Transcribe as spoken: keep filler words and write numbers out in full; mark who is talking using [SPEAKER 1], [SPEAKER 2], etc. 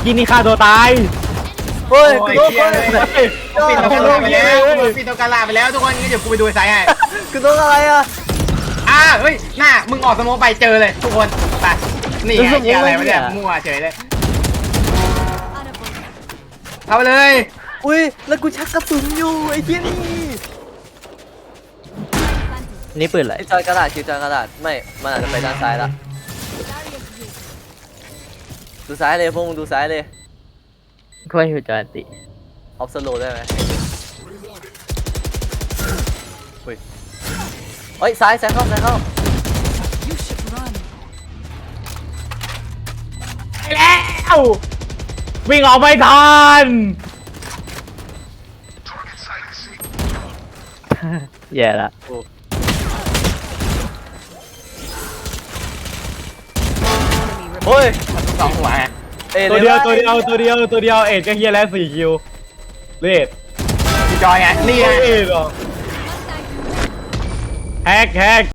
[SPEAKER 1] กี้นี่ฆ่าตัวตาย
[SPEAKER 2] เฮ้ย
[SPEAKER 3] โอ้ย
[SPEAKER 2] กูโดน
[SPEAKER 3] เหี้ยเลยปิดตัวกาลาไปแล้วปิดตัวกาลาไปแล้วทุกคนงั้นเดี๋ยวกูไปดูไซส์ให้
[SPEAKER 2] กูโดนอะไรอ่ะ
[SPEAKER 3] อ่าเฮ้ยหน้ามึงออกสโมไปเจอเลยทุกคนไปนี่ไงเหี้ยอะไรวะเนี่ยมั่วเฉยเลยเข้าไปเลย
[SPEAKER 2] อุ้ยแล้วกูชักกระสุนอยู่ไอ้เหี้ยนี่
[SPEAKER 1] นี่ปืนอะไร
[SPEAKER 2] คิวจอยกระดาษคิวจอยกระดาษไม่มันอาจจะไปด้านซ้ายละดูซ้ายเลยพวกมึงดูซ้ายเลย
[SPEAKER 1] ช่วยฮิวจอยติ
[SPEAKER 2] ออฟสโลได้ไหมเฮ้ยเฮ้ยซ้ายซ้ายเข้าซ้ายเข้า
[SPEAKER 1] ไปแล้ววิ่งออกไม่ทันแย่ละ
[SPEAKER 2] โอ้ เฮ้ย
[SPEAKER 3] สองหัวไง
[SPEAKER 2] อ้
[SPEAKER 1] ตัวเดียวตัวเดียวตัวเดียวตัวเดียวเอ็ดก็เฮียแล้วสี่คิวเลด
[SPEAKER 3] พี่จอยไงนี่ไง
[SPEAKER 1] เอ็ดหรอแฮกแฮก